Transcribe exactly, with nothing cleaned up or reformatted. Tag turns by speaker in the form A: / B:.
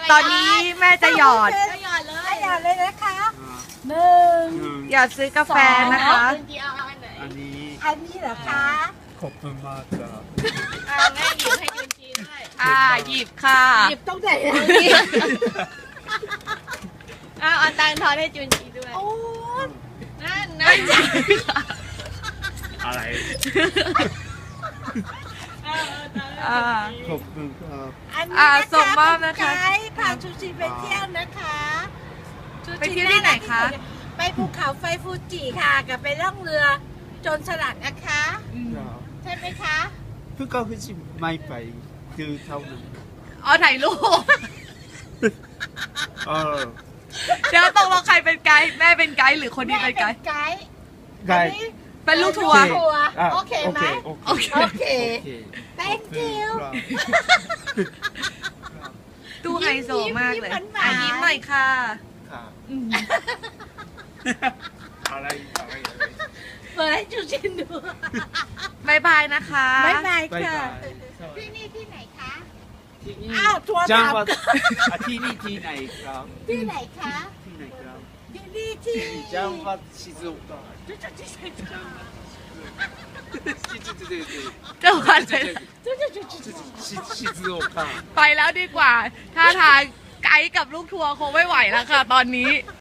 A: ตอนนี้แม่จะหยอด
B: จะหยอดเลยหยอดเลยนะคะห
C: ห
B: นึ่ง
C: นึ่ง
A: หยอดซื้อกาแฟนะคะ
B: คุณจีเอาอันไหน
C: อันนี้
B: อันนี้เหรอคะ
C: ขอบคุณมากครับ
B: อ่าแม่หยิบให้ยุนจีด้วย
A: อ่าหยิบค่ะ
B: หยิบต้องไหนนะอ้าวเอาตังค์ทอนให้จุนจีด้วยโอ้นั่นนะ
C: อะไร
A: อ่า
C: ขอบคุณครับ
B: อันนี้
A: อ่า
B: นะคะ
A: ส่งมอบนะคะ
B: เป็ไกด์พาชูชีไปเที่ยวนะคะชู
A: ไปเที่ยวที่ไหนคะ
B: ไปภูเขาไฟฟูจิค่ะกับไปล่องเรือโจรสลัดนะคะ ใช่ไหมคะ
C: เพื่อเขาคือไม่ไปคือเท่านั้น
A: อ๋อถ่ายรูป
C: เออ
A: เดี๋ยวตกลงใครเป็นไกด์แม่เป็นไกด์หรือคนนี้เป็นไกด์
B: ไกด์
C: ไก
B: อัน
C: ด์
B: นี้
A: เป็นลูกทัวร์
B: ทัวร์
C: อ่ะ
B: โอเคไหม
C: โอเค
B: โอเค
C: โอเค
B: thank you
C: ครับ
A: ตู้ไฮโซมากเลย
B: ยิ้มหวานๆ
A: อ่ะยิ้มหน่อยค่ะ
C: ครับ
A: อืม
C: อะไรอะไรอะไร
B: เปิดให้จูชินดู
A: บายบายนะคะ
B: บ๊ายบาย
C: บาย
B: ค่ะ
C: บาย
B: ที่นี่ที่ไหนคะ
C: ที่นี่
B: อ้าวทัวร์
C: จัง
B: ตาม
C: หวัดอ่ะที่นี่ที่ไหนครับ
B: ที่ไหนคะ
C: ที่ไหนครับ
B: ที่นี่ที่
C: จังหวัด静岡
B: จูจูจูจูจู
A: จังหวัดเลย
B: จูจูจูจู
C: 静岡
A: ไปแล้วดีกว่า ถ้าทางไกด์กับลูกทัวร์คงไม่ไหวแล้วค่ะ ตอนนี้